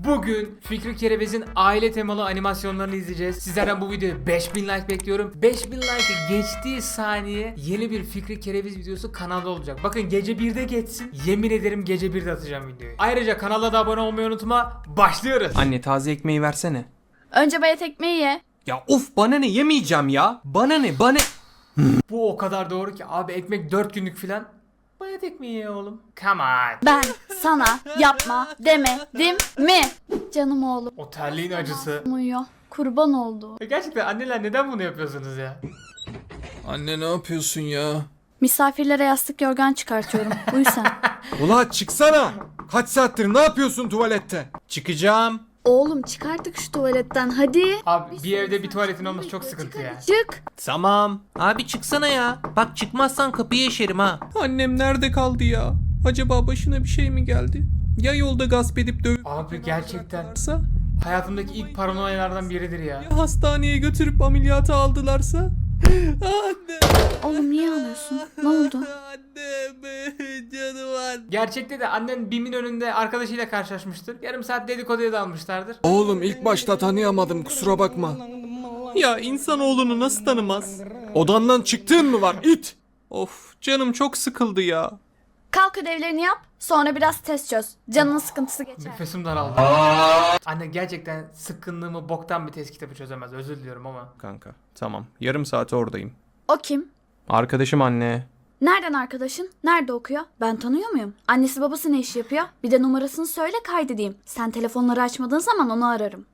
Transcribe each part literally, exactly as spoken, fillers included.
Bugün Fikri Kereviz'in aile temalı animasyonlarını izleyeceğiz. Sizlerden bu videoya beş bin like bekliyorum. beş bin like'ı geçtiği saniye yeni bir Fikri Kereviz videosu kanalda olacak. Bakın gece birde geçsin. Yemin ederim gece birde atacağım videoyu. Ayrıca kanala da abone olmayı unutma. Başlıyoruz. Anne taze ekmeği versene. Önce bayat ekmeği ye. Ya of bana ne, yemeyeceğim ya. Bana ne bana. Bu o kadar doğru ki abi, ekmek dört günlük filan. Bayat ekmeği ye oğlum. Come on. Ben sana yapma demedim mi? Canım oğlum. O terliğin acısı. Uyuyor. Kurban oldu. E gerçekten anneler neden bunu yapıyorsunuz ya? Anne ne yapıyorsun ya? Misafirlere yastık yorgan çıkartıyorum. Uyu sen. Ula çıksana. Kaç saattir ne yapıyorsun tuvalette? Çıkacağım. Oğlum çıkarttık şu tuvaletten hadi. Abi bir evde bir tuvaletin olması çok sıkıntı ya. Çık. Tamam. Abi çıksana ya. Bak çıkmazsan kapıyı eşerim ha. Annem nerede kaldı ya? Acaba başına bir şey mi geldi? Ya yolda gasp edip dövüp Abi gerçekten varsa? hayatımdaki ilk paranoyalardan biridir ya. Ya hastaneye götürüp ameliyata aldılarsa? Anne. Oğlum niye ağlıyorsun? Ne oldu? Annem. Canım anne. Gerçekte de annen BİM'in önünde arkadaşıyla karşılaşmıştır. Yarım saat dedikoduya dalmışlardır. Oğlum ilk başta tanıyamadım, kusura bakma. Ya insanoğlunu nasıl tanımaz? Odandan çıktığın mı var it? Of canım çok sıkıldı ya. Kalk ödevlerini yap. Sonra biraz test çöz. Canının sıkıntısı geçer. Nefesim daraldı. Anne gerçekten sıkkınlığımı boktan bir test kitabı çözemez. Özür diliyorum ama. Kanka tamam, yarım saate oradayım. O kim? Arkadaşım anne. Nereden arkadaşın? Nerede okuyor? Ben tanıyor muyum? Annesi babası ne iş yapıyor? Bir de numarasını söyle kaydedeyim. Sen telefonları açmadığın zaman onu ararım.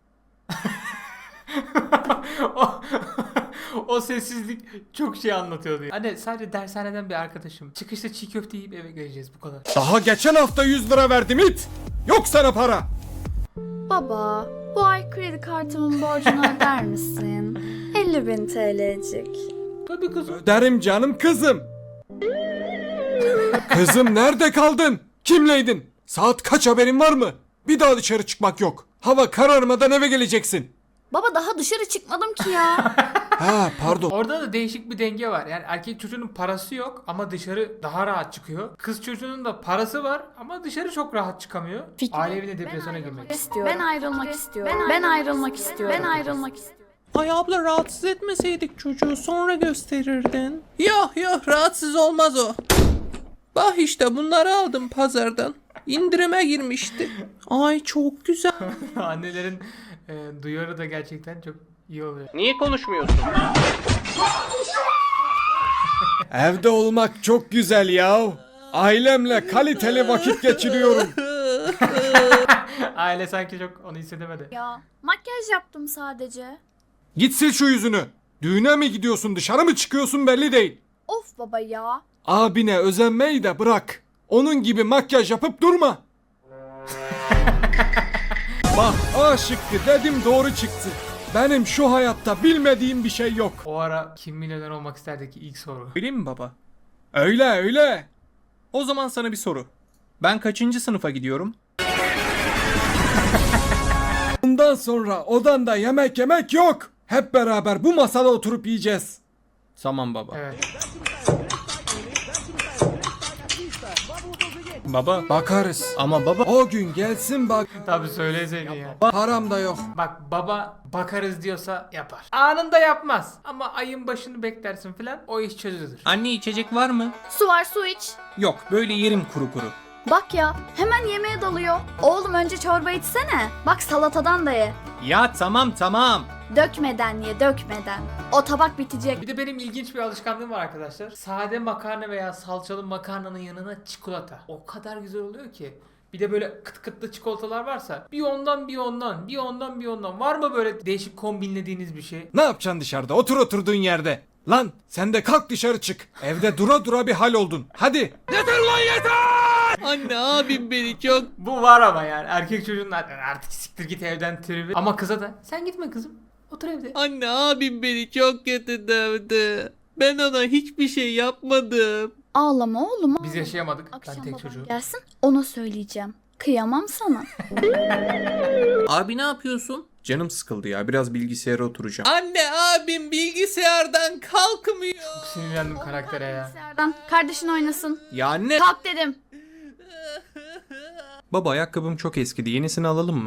o, o sessizlik çok şey anlatıyordu. Anne sadece dershaneden bir arkadaşım. Çıkışta çiğ köfte yiyip eve geleceğiz, bu kadar. Daha geçen hafta yüz lira verdim it. Yok sana para. Baba, bu ay kredi kartımın borcunu öder misin? elli bin T L'cik. Tabii kızım. Öderim canım kızım. Kızım nerede kaldın? Kimleydin? Saat kaç, haberin var mı? Bir daha dışarı çıkmak yok. Hava kararmadan eve geleceksin. Baba daha dışarı çıkmadım ki ya. Ha pardon. Orada da değişik bir denge var. Yani erkek çocuğunun parası yok ama dışarı daha rahat çıkıyor. Kız çocuğunun da parası var ama dışarı çok rahat çıkamıyor. Aile evine depresyona girmek. İstiyorum. Ben ayrılmak istiyorum. Ben ayrılmak istiyorum. Ben ayrılmak istiyorum. Ay abla rahatsız etmeseydik çocuğu sonra gösterirdin. Yok yok rahatsız olmaz o. Bak işte bunları aldım pazardan. İndirime girmişti. Ay çok güzel. Annelerin e, duyarı da gerçekten çok iyi oluyor. Niye konuşmuyorsun? Evde olmak çok güzel ya. Ailemle kaliteli vakit geçiriyorum. Aile sanki çok onu hissedemedi. Ya makyaj yaptım sadece. Git sil şu yüzünü. Düğüne mi gidiyorsun, dışarı mı çıkıyorsun belli değil. Of baba ya. Abine özenmeyi de bırak. Onun gibi makyaj yapıp durma. Bak A şıkkı dedim, doğru çıktı. Benim şu hayatta bilmediğim bir şey yok. O ara kim milyoner olmak isterdeki ilk soru. Bileyim mi baba? Öyle öyle. O zaman sana bir soru. Ben kaçıncı sınıfa gidiyorum? Bundan sonra odanda yemek yemek yok. Hep beraber bu masada oturup yiyeceğiz. Tamam baba. Evet. Baba. Bakarız. Ama baba. O gün gelsin bak. Tabii söyleseydin ya. Param da yok. Bak baba bakarız diyorsa yapar. Anında yapmaz. Ama ayın başını beklersin filan, o iş çözülür. Anne içecek var mı? Su var su iç. Yok böyle yerim kuru kuru. Bak ya hemen yemeğe dalıyor. Oğlum önce çorba içsene. Bak salatadan da ye. Ya tamam tamam. Dökmeden ye dökmeden. O tabak bitecek. Bir de benim ilginç bir alışkanlığım var arkadaşlar. Sade makarna veya salçalı makarnanın yanına çikolata. O kadar güzel oluyor ki. Bir de böyle kıt kıtlı çikolatalar varsa bir ondan bir ondan bir ondan bir ondan. Var mı böyle değişik kombinlediğiniz bir şey? Ne yapacaksın dışarıda? Otur oturduğun yerde. Lan sen de kalk dışarı çık. Evde dura dura bir hal oldun. Hadi. Anne abim beni çok... Bu var ama yani erkek çocuğun artık siktir git evden tribi. Ama kıza da sen gitme kızım, otur evde. Anne abim beni çok kötü dövdü. Ben ona hiçbir şey yapmadım. Ağlama oğlum. Biz yaşayamadık. Akşam Ben tek baban çocuğum. gelsin ona söyleyeceğim. Kıyamam sana. Abi ne yapıyorsun? Canım sıkıldı ya, biraz bilgisayara oturacağım. Anne abim bilgisayardan kalkmıyor. Çok sinirlendim karaktere ya. Bilgisayardan kardeşin oynasın. Ya anne. Kalk dedim. Baba ayakkabım çok eskidi, yenisini alalım mı?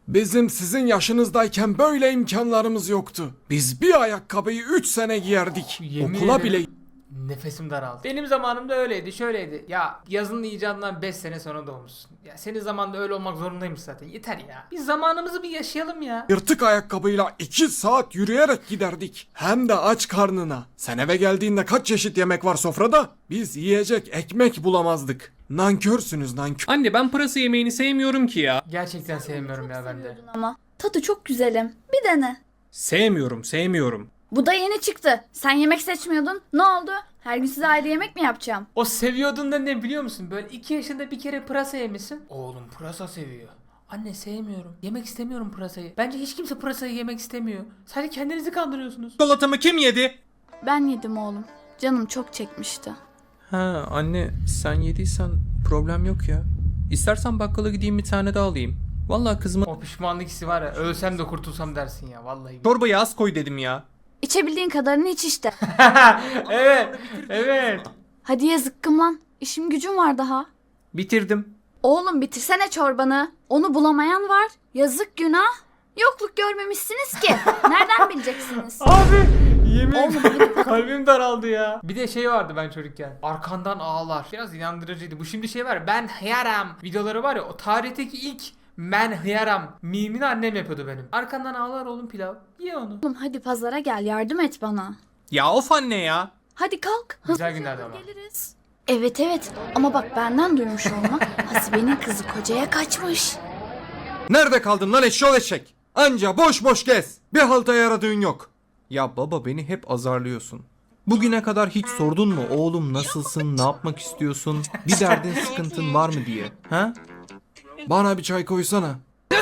Bizim sizin yaşınızdayken böyle imkanlarımız yoktu. Biz bir ayakkabıyı üç sene giyerdik. Yemin Okula ederim. bile... Nefesim daraldı. Benim zamanımda öyleydi, şöyleydi. Ya yazının icadından beş sene sonra doğmuşsun. Ya senin zamanında öyle olmak zorundaymış zaten. Yeter ya. Biz zamanımızı bir yaşayalım ya. Yırtık ayakkabıyla iki saat yürüyerek giderdik. Hem de aç karnına. Sen eve geldiğinde kaç çeşit yemek var sofrada? Biz yiyecek ekmek bulamazdık. Nankörsünüz nankör. Anne ben pırasa yemeğini sevmiyorum ki ya. Gerçekten sevmiyorum ya ben de. Ama tadı çok güzelim. Bir dene. Sevmiyorum sevmiyorum. Bu da yeni çıktı. Sen yemek seçmiyordun. Ne oldu? Her gün size ayrı yemek mi yapacağım? O seviyordun da ne biliyor musun? Böyle iki yaşında bir kere pırasa yemişsin. Oğlum pırasa seviyor. Anne sevmiyorum. Yemek istemiyorum pırasayı. Bence hiç kimse pırasayı yemek istemiyor. Sadece kendinizi kandırıyorsunuz. Çikolatamı kim yedi? Ben yedim oğlum. Canım çok çekmişti. Ha anne sen yediysen problem yok ya. İstersen bakkala gideyim bir tane daha alayım. Vallahi kızıma O pişmanlık hissi var ya. Ölsem de kurtulsam dersin ya. Vallahi. çorbayı az koy dedim ya. İçebildiğin kadarını iç işte. Evet. Evet. Hadi ye zıkkım lan. İşim gücüm var daha. Bitirdim. Oğlum bitirsene çorbanı. Onu bulamayan var. Yazık günah. Yokluk görmemişsiniz ki. Nereden bileceksiniz? Abi yemin Oğlum hadi. kalbim daraldı ya. Bir de şey vardı ben çocukken. Arkandan ağlar. Biraz inandırıcıydı. Bu şimdi şey var. Ben hıyaram videoları var ya. O tarihteki ilk ben hıyaram mimini annem yapıyordu benim. Arkandan ağlar oğlum pilav. Ye onu. Oğlum hadi pazara gel yardım et bana. Ya of anne ya. Hadi kalk. Güzel Hızlıca günlerdi ama. geliriz. Evet evet ama bak benden duymuş olma. Hasibe'nin kızı kocaya kaçmış. Nerede kaldın lan eşşoğlu eşek? Anca boş boş gez. Bir halta yaradığın yok. Ya baba beni hep azarlıyorsun. Bugüne kadar hiç sordun mu oğlum nasılsın, ne yapmak istiyorsun, bir derdin sıkıntın var mı diye. Ha? Bana bir çay koysana.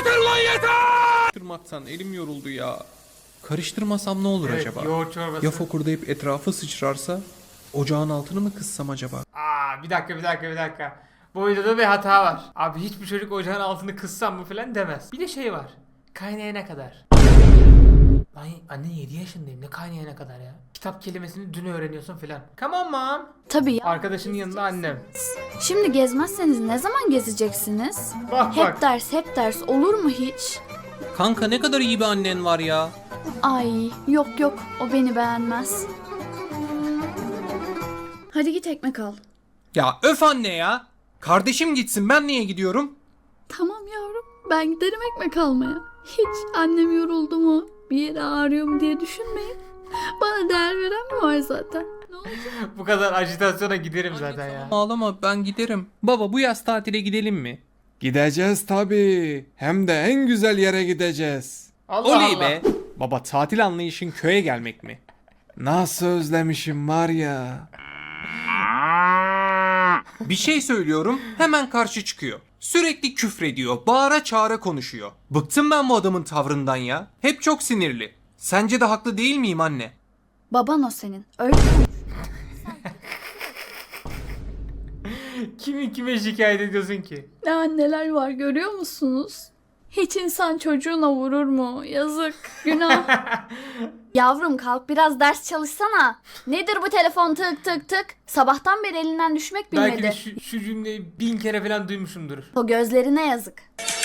Karıştırmaktan elim yoruldu ya. Karıştırmasam ne olur Evet, acaba? yoğurt çorbası. Ya fokurdayıp etrafı sıçrarsa? Ocağın altını mı kıssam acaba? Aa bir dakika bir dakika bir dakika. Bu videoda bir hata var. Abi hiçbir çocuk ocağın altını kıssam mı falan demez. Bir de şey var. Kaynayana kadar. Lan anne yedi yaşındayım. Ne kaynayana kadar ya? Kitap kelimesini dün öğreniyorsun falan. Come on mom. Tabii ya. Arkadaşının yanında annem. Şimdi gezmezseniz ne zaman gezeceksiniz? Bak Hep bak. ders hep ders olur mu hiç? Kanka ne kadar iyi bir annen var ya. Ay yok yok o beni beğenmez. Hadi git ekmek al. Ya öf anne ya. Kardeşim gitsin ben niye gidiyorum? Tamam yavrum ben giderim ekmek almaya. Hiç annem yoruldu mu bir yere ağrıyor mu diye düşünmeyin. Bana değer veren mi var zaten? Ne olacak? Bu kadar ajitasyona giderim zaten ya. Ağlama ben giderim. Baba bu yaz tatile gidelim mi? Gideceğiz tabii. Hem de en güzel yere gideceğiz. Allah Oley Allah. be. Baba tatil anlayışın köye gelmek mi? Nasıl özlemişim var ya. Bir şey söylüyorum hemen karşı çıkıyor. Sürekli küfrediyor, bağıra çağıra konuşuyor. Bıktım ben bu adamın tavrından ya. Hep çok sinirli. Sence de haklı değil miyim anne? Baban o senin. Öyle mi? Kimi kime şikayet ediyorsun ki? Ne anneler var görüyor musunuz? Hiç insan çocuğuna vurur mu? Yazık, günah. Yavrum kalk biraz ders çalışsana. Nedir bu telefon tık tık tık? Sabahtan beri elinden düşmek bilmedi. Belki de şu, şu cümleyi bin kere falan duymuşumdur. O gözlerine yazık.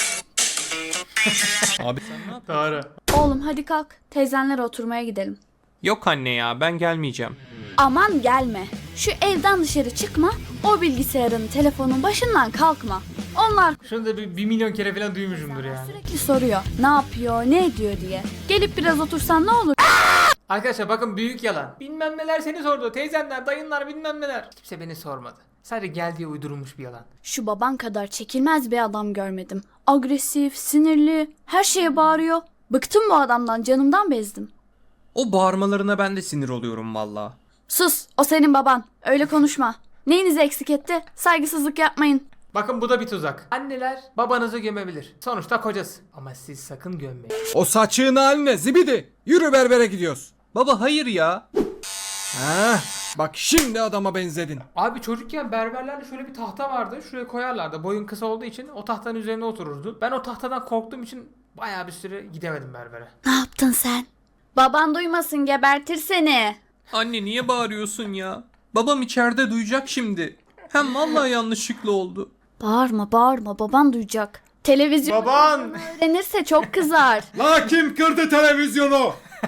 Abi sen ne yapıyorsun? Doğru. Oğlum hadi kalk. Teyzenlere oturmaya gidelim. Yok anne ya ben gelmeyeceğim. Aman gelme. Şu evden dışarı çıkma. O bilgisayarın, telefonun başından kalkma. Onlar Şunu da bir, bir milyon kere falan duymuşumdur yani. sürekli soruyor. Ne yapıyor, ne ediyor diye. Gelip biraz otursan ne olur? Arkadaşlar bakın büyük yalan. Bilmem neler seni sordu. Teyzenler, dayınlar bilmem neler. Kimse beni sormadı. Sadece gel diye uydurulmuş bir yalan. Şu baban kadar çekilmez bir adam görmedim. Agresif, sinirli, her şeye bağırıyor. Bıktım bu adamdan, canımdan bezdim. O bağırmalarına ben de sinir oluyorum valla. Sus, o senin baban. Öyle konuşma. Neyinizi eksik etti? Saygısızlık yapmayın. Bakın bu da bir tuzak. Anneler babanızı gömebilir. Sonuçta kocası. Ama siz sakın gömmeyin. O saçığın haline zibidi. Yürü berbere gidiyoruz. Baba hayır ya. Ha, bak şimdi adama benzedin. Abi çocukken berberlerde şöyle bir tahta vardı. Şuraya koyarlardı. Boyun kısa olduğu için o tahtanın üzerine otururdu. Ben o tahtadan korktuğum için bayağı bir süre gidemedim berbere. Ne yaptın sen? Baban duymasın, gebertir seni. Anne niye bağırıyorsun ya? Babam içeride duyacak şimdi. Hem vallahi yanlışlıkla oldu. Bağırma, bağırma. Baban duyacak. Televizyon Baban. öğrenirse çok kızar. La kim kırdı televizyonu?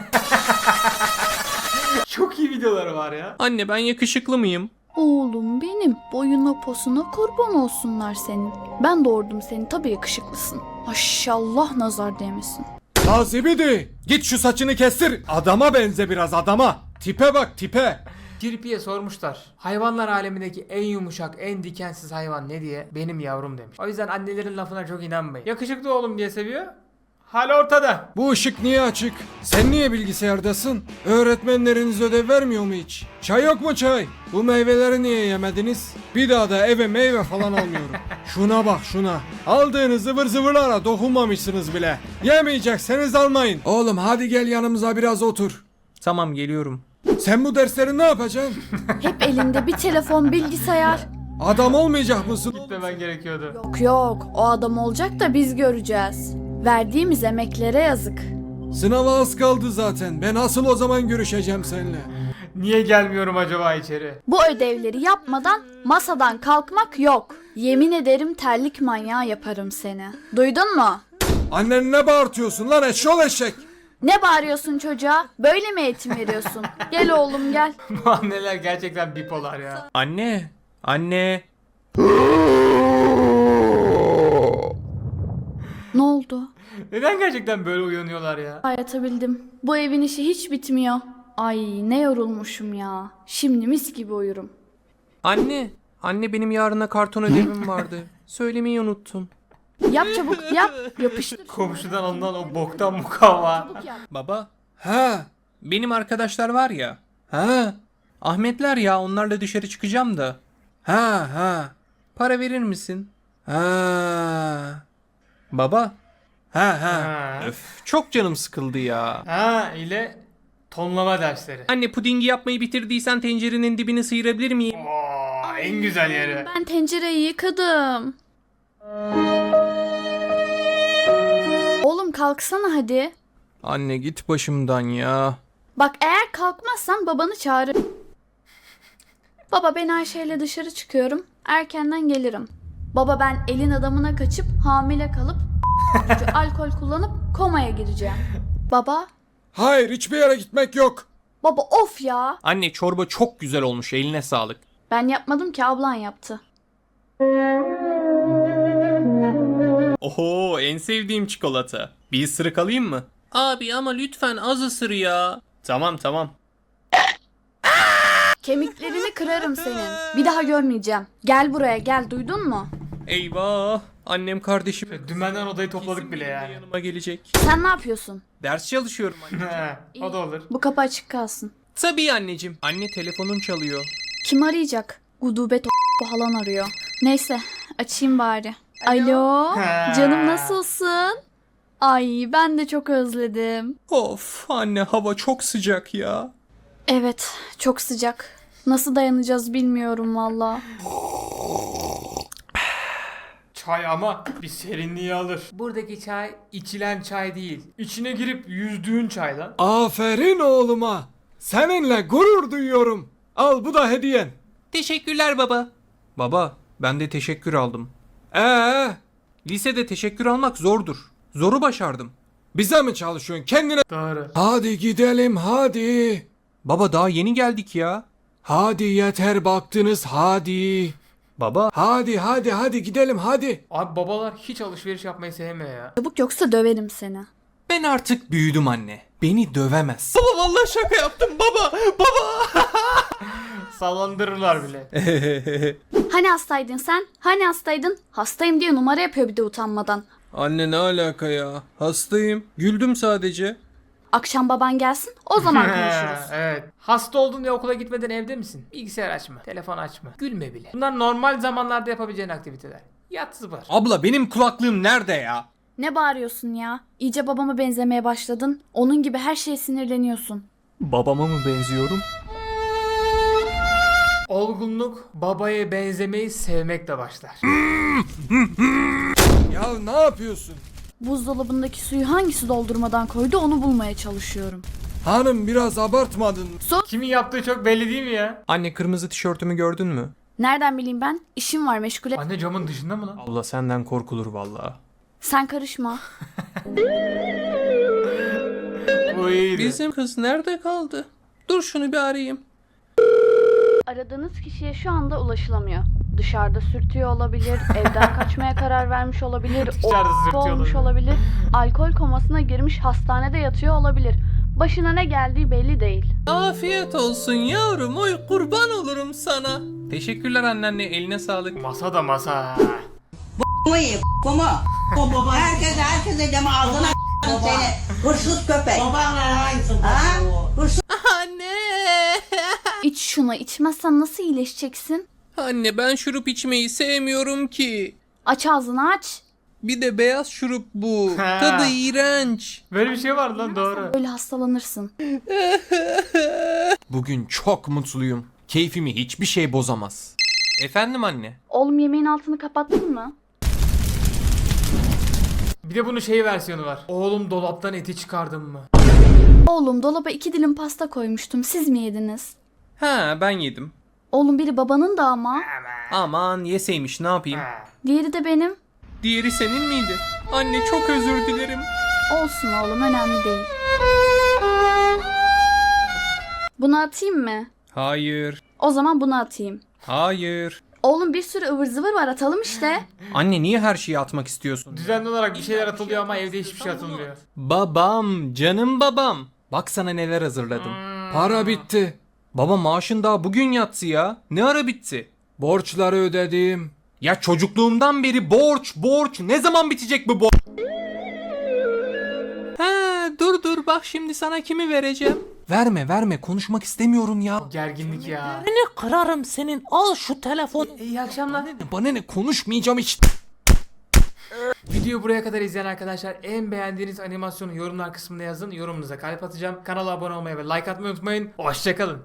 Çok iyi videoları var ya. Anne ben yakışıklı mıyım? Oğlum benim, boyuna posuna kurban olsunlar senin. Ben doğurdum seni, tabii yakışıklısın. Maşallah nazar değmesin. La zibidi git şu saçını kestir. Adama benze biraz adama. Tipe bak tipe. Kirpi'ye sormuşlar. Hayvanlar alemindeki en yumuşak, en dikensiz hayvan ne diye? Benim yavrum demiş. O yüzden annelerin lafına çok inanmayın. Yakışıklı oğlum diye seviyor. Hal ortada. Bu ışık niye açık? Sen niye bilgisayardasın? Öğretmenleriniz ödev vermiyor mu hiç? Çay yok mu çay? Bu meyveleri niye yemediniz? Bir daha da eve meyve falan almıyorum. Şuna bak şuna. Aldığınız zıvır zıvırlara dokunmamışsınız bile. Yemeyecekseniz almayın. Oğlum hadi gel yanımıza biraz otur. Tamam geliyorum. Sen bu dersleri ne yapacaksın? Hep elinde bir telefon, bilgisayar. Adam olmayacak mısın? Gitmemen gerekiyordu. Yok yok, o adam olacak da biz göreceğiz. Verdiğimiz emeklere yazık. Sınava az kaldı zaten. Ben asıl o zaman görüşeceğim seninle. Niye gelmiyorum acaba içeri? Bu ödevleri yapmadan masadan kalkmak yok. Yemin ederim terlik manyağı yaparım seni. Duydun mu? Annen ne bağırtıyorsun lan eşşol eşek? Ne bağırıyorsun çocuğa? Böyle mi eğitim veriyorsun? Gel oğlum gel. Bu anneler gerçekten bipolar ya. Anne. Anne. Ne oldu? Neden gerçekten böyle uyanıyorlar ya? Ay, yatabildim. Bu evin işi hiç bitmiyor. Ay ne yorulmuşum ya. Şimdi mis gibi uyurum. Anne. Anne benim yarına karton ödevim vardı. Söylemeyi unuttum. Yap çabuk yap. Yapıştır. Komşudan ondan o boktan mukavva. Çabuk yap. Baba. Ha? Benim arkadaşlar var ya. Ha? Ahmetler ya onlarla dışarı çıkacağım da. Ha ha. Para verir misin? Ha. Baba. Ha ha. Ha. Öf çok canım sıkıldı ya. Ha ile tonlama dersleri. Anne pudingi yapmayı bitirdiysen tencerenin dibini sıyırabilir miyim? Oo, en güzel yeri. Ben tencereyi yıkadım. Oğlum kalksana hadi. Anne git başımdan ya. Bak eğer kalkmazsan babanı çağır. Baba ben Ayşe ile dışarı çıkıyorum. Erkenden gelirim. Baba ben elin adamına kaçıp hamile kalıp alkol kullanıp komaya gireceğim. Baba. Hayır hiçbir yere gitmek yok. Baba of ya. Anne çorba çok güzel olmuş eline sağlık. Ben yapmadım ki ablan yaptı. Oho en sevdiğim çikolata. Bir ısırık alayım mı? Abi ama lütfen az ısır ya. Tamam tamam. Kemiklerini kırarım senin. Bir daha görmeyeceğim. Gel buraya gel duydun mu? Eyvah. Annem kardeşim. Dümenden odayı topladık bile yani. Yanıma gelecek. Sen ne yapıyorsun? Ders çalışıyorum anne. He, o da olur. Bu kapı açık kalsın. Tabii anneciğim. Anne telefonum çalıyor. Kim arayacak? Gudubet o falan arıyor. Neyse açayım bari. Alo. Ha. Canım nasılsın? Ay ben de çok özledim. Of anne hava çok sıcak ya. Evet çok sıcak. Nasıl dayanacağız bilmiyorum valla. Çay ama bir serinliği alır. Buradaki çay içilen çay değil. İçine girip yüzdüğün çay lan. Aferin oğluma. Seninle gurur duyuyorum. Al bu da hediyen. Teşekkürler baba. Baba ben de teşekkür aldım. Ee, Lisede teşekkür almak zordur. Zoru başardım. bize mi çalışıyorsun kendine? Doğru. Hadi gidelim hadi. Baba daha yeni geldik ya. Hadi yeter baktınız hadi. Baba. Hadi hadi hadi gidelim hadi. Abi babalar hiç alışveriş yapmayı sevmiyor ya. Çabuk yoksa döverim seni. Ben artık büyüdüm anne. Beni dövemez. Baba vallahi şaka yaptım baba. Baba. Sallandırırlar bile. Hani hastaydın sen? Hani hastaydın? Hastayım diye numara yapıyor bir de utanmadan. Anne ne alaka ya? Hastayım. Güldüm sadece. Akşam baban gelsin o zaman konuşuruz. Evet. Hasta oldun diye okula gitmeden evde misin? Bilgisayar açma. Telefon açma. Gülme bile. Bunlar normal zamanlarda yapabileceğin aktiviteler. Yat zıbar. Abla benim kulaklığım nerede ya? Ne bağırıyorsun ya? İyice babama benzemeye başladın. Onun gibi her şeye sinirleniyorsun. Babama mı benziyorum? Olgunluk babaya benzemeyi sevmekle başlar. Ya ne yapıyorsun? Buzdolabındaki suyu hangisi doldurmadan koydu onu bulmaya çalışıyorum. Hanım biraz abartmadın mı? Kimin yaptığı çok belli değil mi ya? Anne kırmızı tişörtümü gördün mü? Nereden bileyim ben? İşim var meşgul et. Anne camın dışında mı lan? Abla senden korkulur vallahi. Sen karışma. Bu iyiydi. Bizim kız nerede kaldı? Dur şunu bir arayayım. Aradığınız kişiye şu anda ulaşılamıyor. Dışarıda sürtüyor olabilir, evden kaçmaya karar vermiş olabilir, Dışarıda o sürtüyor olmuş olabilir. olabilir, alkol komasına girmiş hastanede yatıyor olabilir. Başına ne geldiği belli değil. Afiyet olsun yavrum, oy kurban olurum sana. Teşekkürler anneanne, eline sağlık. Masa da masa. Kumu ye, kumu. Baba. Herkese, herkese deme ağzına seni. Hırsız köpek. Babanla aynısın. Ha? Hırsız. Anne! İç şunu, içmezsen nasıl iyileşeceksin? Anne ben şurup içmeyi sevmiyorum ki. Aç ağzını aç. Bir de beyaz şurup bu. Ha. Tadı iğrenç. Böyle bir şey var lan, doğru. Böyle hastalanırsın. Bugün çok mutluyum. Keyfimi hiçbir şey bozamaz. Efendim anne? Oğlum yemeğin altını kapattın mı? Bir de bunun şey versiyonu var. Oğlum dolaptan eti çıkardın mı? Oğlum dolaba iki dilim pasta koymuştum. Siz mi yediniz? Ha ben yedim. Oğlum biri babanın da ama. Aman yeseymiş ne yapayım? Diğeri de benim. Diğeri senin miydi? Anne çok özür dilerim. Olsun oğlum, önemli değil. Bunu atayım mı? Hayır. O zaman bunu atayım. Hayır. Oğlum bir sürü ıvır zıvır var, atalım işte. Anne niye her şeyi atmak istiyorsun? Düzenli olarak bir şeyler atılıyor ama evde hiçbir şey atılmıyor. Babam, canım babam. Bak sana neler hazırladım. Para bitti. Baba maaşın daha bugün yatsı ya. Ne ara bitti? Borçları ödedim. Ya çocukluğumdan beri borç, borç. Ne zaman bitecek bu borç? He, dur dur bak şimdi sana kimi vereceğim. Verme verme konuşmak istemiyorum ya. Gerginlik ya. Ne kırarım senin. Al şu telefon. İyi akşamlar. Bana ne konuşmayacağım hiç. Videoyu buraya kadar izleyen arkadaşlar en beğendiğiniz animasyonu yorumlar kısmına yazın. Yorumunuza kalp atacağım. Kanala abone olmayı ve like atmayı unutmayın. Hoşçakalın.